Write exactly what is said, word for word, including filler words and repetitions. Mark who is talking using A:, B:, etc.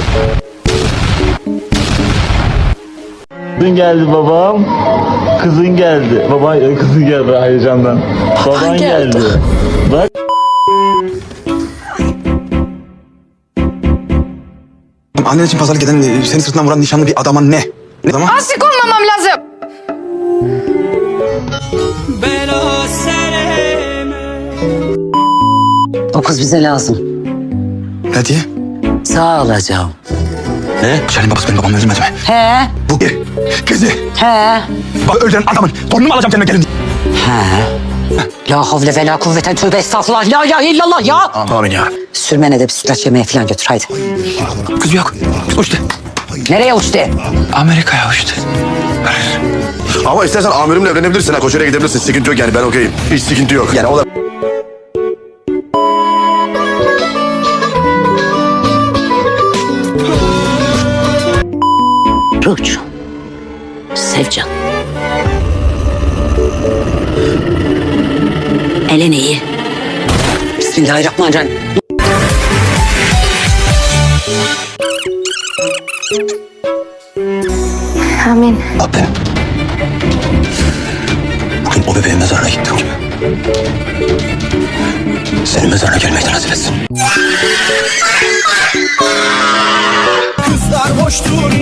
A: Kızın geldi babam. Kızın geldi. Baba kızın geldi heyecandan. Baban geldi.
B: geldi.
A: Bak.
C: Annen için pazarlık eden, e, seni sırtından vuran nişanlı bir adama ne? Ne adama?
B: Aşık olmamam lazım.
D: O kız bize lazım.
C: Ne diye?
D: Sağ olacağım.
C: Ne? Şahin babası benim babamı öldürmedi mi?
D: He,
C: Bu kızı.
D: he,
C: Bak öldüren adamın torunumu alacağım kendime gelin.
D: he. La havle ve la kuvveten tövbe estağfurullah. La ilahe illallah ya.
C: Amin ya.
D: Sürmene de bisiklet yemeye falan götür haydi.
C: Kız yok. Kız uçtu.
D: Nereye uçtu?
C: Amerika'ya uçtu.
E: Ama istersen amirimle evlenebilirsin. Ha, Koçere'ye gidebilirsin. Sıkıntı yok yani, ben okeyim. Hiç sıkıntı yok. Yani o da...
D: Ruhcu. Sevcan. Elin iyi. Bismillahirrahmanirrahim.
B: Amin.
C: Abi. Bugün o bebeğin mezarına gittim gibi. Senin mezarına gelmeyi de nasip etsin.
F: Kızlar boştur